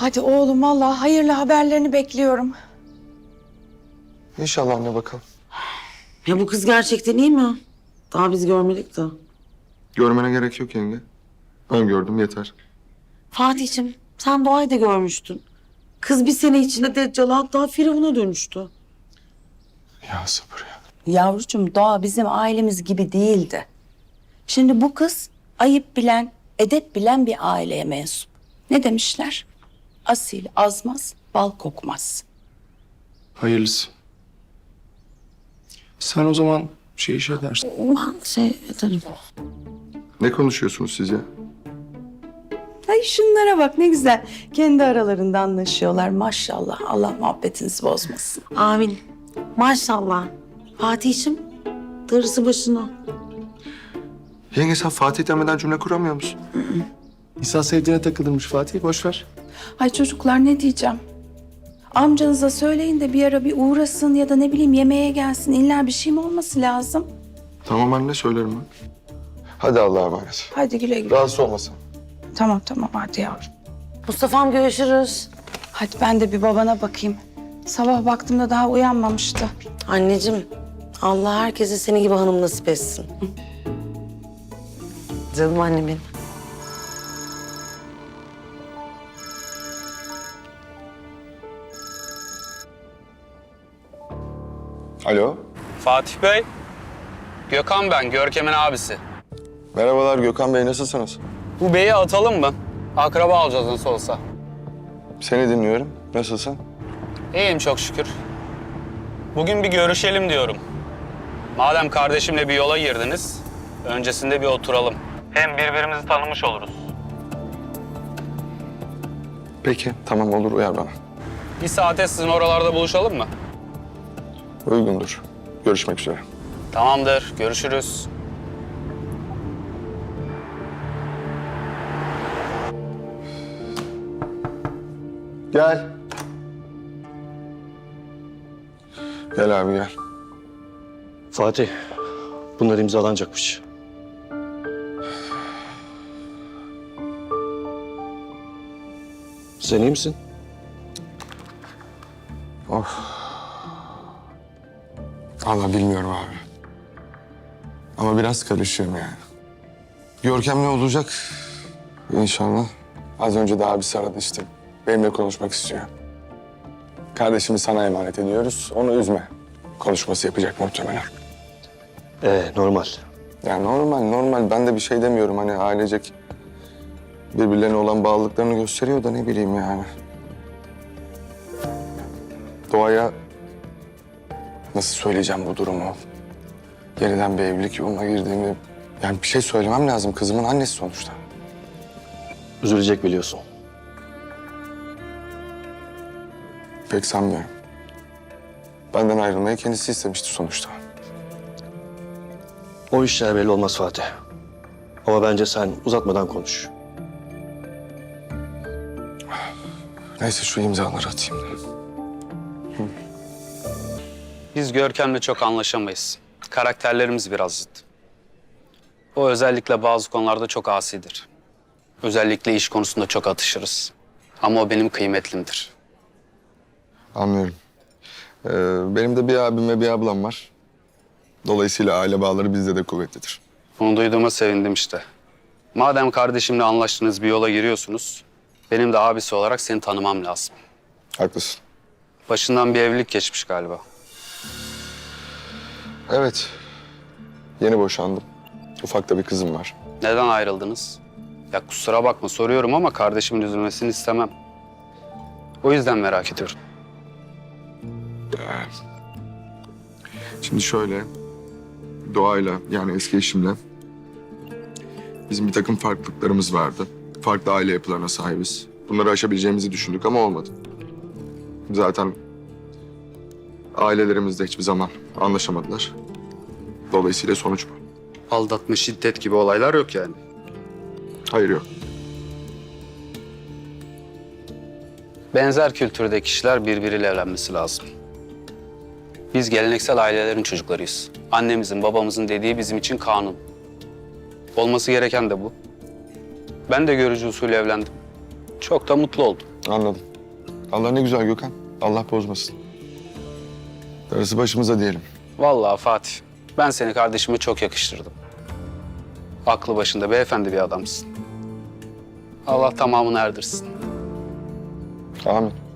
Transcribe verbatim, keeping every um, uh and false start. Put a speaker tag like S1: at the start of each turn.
S1: Hadi oğlum vallahi hayırlı haberlerini bekliyorum.
S2: İnşallah anne bakalım.
S3: Ya bu kız gerçekten iyi mi? Daha biz görmedik de.
S2: Görmene gerek yok yenge. Ben gördüm yeter.
S3: Fatih'ciğim sen Doğa'yı da görmüştün. Kız bir sene içinde Deccal'a hatta Firavun'a dönüştü.
S2: Ya sabır ya.
S1: Yavrucuğum Doğa bizim ailemiz gibi değildi. Şimdi bu kız ayıp bilen, edep bilen bir aileye mensup. Ne demişler? Asil azmaz, bal kokmaz.
S4: Hayırlısı. Sen o zaman şey iş edersin.
S3: Ben şey ederim.
S2: Ne konuşuyorsunuz siz ya?
S1: Ay şunlara bak ne güzel. Kendi aralarında anlaşıyorlar maşallah. Allah muhabbetinizi bozmasın.
S3: Amin. Maşallah. Fatih'ciğim darısı başına.
S2: Yenge sen Fatih demeden cümle kuramıyor musun?
S4: İnsan sevdiğine takılırmış Fatih. Boş ver.
S1: Ay çocuklar ne diyeceğim? Amcanıza söyleyin de bir ara bir uğrasın ya da ne bileyim yemeğe gelsin. İlla bir şey mi olması lazım?
S2: Tamam anne söylerim ben. Hadi Allah'a emanet.
S1: Hadi güle güle.
S2: Rahatsız olmasın.
S1: Tamam tamam hadi yavrum.
S3: Mustafa'm görüşürüz.
S1: Hadi ben de bir babana bakayım. Sabah baktığımda daha uyanmamıştı.
S3: Anneciğim Allah herkese seni gibi hanım nasip etsin. Canım annemin.
S2: Alo.
S5: Fatih Bey, Gökhan ben, Görkem'in abisi.
S2: Merhabalar Gökhan Bey nasılsınız?
S5: Bu beyi atalım mı? Akraba olacağız nasıl olsa.
S2: Seni dinliyorum. Nasılsın?
S5: İyiyim çok şükür. Bugün bir görüşelim diyorum. Madem kardeşimle bir yola girdiniz, öncesinde bir oturalım. Hem birbirimizi tanımış oluruz.
S2: Peki tamam olur uyar bana.
S5: Bir saate sizin oralarda buluşalım mı?
S2: Uygundur. Görüşmek üzere.
S5: Tamamdır, görüşürüz.
S2: Gel. Gel abi gel.
S6: Fatih, bunlar imzalanacakmış. Sen iyi misin?
S2: Vallahi bilmiyorum abi. Ama biraz karışıyorum yani. Görkem ne olacak? İnşallah. Az önce de abisi aradı işte. Benimle konuşmak istiyor. Kardeşimi sana emanet ediyoruz. Onu üzme. Konuşması yapacak muhtemelen.
S6: Ee, normal.
S2: Ya normal normal. Ben de bir şey demiyorum. Hani ailecek birbirlerine olan bağlılıklarını gösteriyor da ne bileyim yani. Doğaya nasıl söyleyeceğim bu durumu? Yeniden bir evlilik yoluna girdiğimi... Yani bir şey söylemem lazım. Kızımın annesi sonuçta.
S6: Üzülecek biliyorsun.
S2: Pek sanmıyorum. Benden ayrılmayı kendisi istemişti sonuçta.
S6: O işler belli olmaz Fatih. Ama bence sen uzatmadan konuş.
S2: Neyse şu imzaları atayım da.
S5: Biz Görkem'le çok anlaşamayız. Karakterlerimiz biraz zıt. O özellikle bazı konularda çok asidir. Özellikle iş konusunda çok atışırız. Ama o benim kıymetlimdir.
S2: Anlıyorum. Ee, benim de bir abim ve bir ablam var. Dolayısıyla aile bağları bizde de kuvvetlidir.
S5: Bunu duyduğuma sevindim işte. Madem kardeşimle anlaştığınız bir yola giriyorsunuz, benim de abisi olarak seni tanımam lazım.
S2: Haklısın.
S5: Başından bir evlilik geçmiş galiba.
S2: Evet. Yeni boşandım. Ufak da bir kızım var.
S5: Neden ayrıldınız? Ya kusura bakma soruyorum ama kardeşimin üzülmesini istemem. O yüzden merak ediyorum.
S2: Şimdi şöyle, Doğayla yani eski eşimle bizim bir takım farklılıklarımız vardı. Farklı aile yapılarına sahibiz. Bunları aşabileceğimizi düşündük ama olmadı. Zaten ailelerimiz de hiçbir zaman anlaşamadılar. Dolayısıyla sonuç bu.
S5: Aldatma, şiddet gibi olaylar yok yani.
S2: Hayır yok.
S5: Benzer kültürde kişiler birbiriyle evlenmesi lazım. Biz geleneksel ailelerin çocuklarıyız. Annemizin, babamızın dediği bizim için kanun. Olması gereken de bu. Ben de görücü usulü evlendim. Çok da mutlu oldum.
S2: Anladım. Allah ne güzel Gökhan. Allah bozmasın. Darısı başımıza diyelim.
S5: Vallahi Fatih, ben seni kardeşime çok yakıştırdım. Aklı başında beyefendi bir adamsın. Allah tamamını erdirsin.
S2: Amin.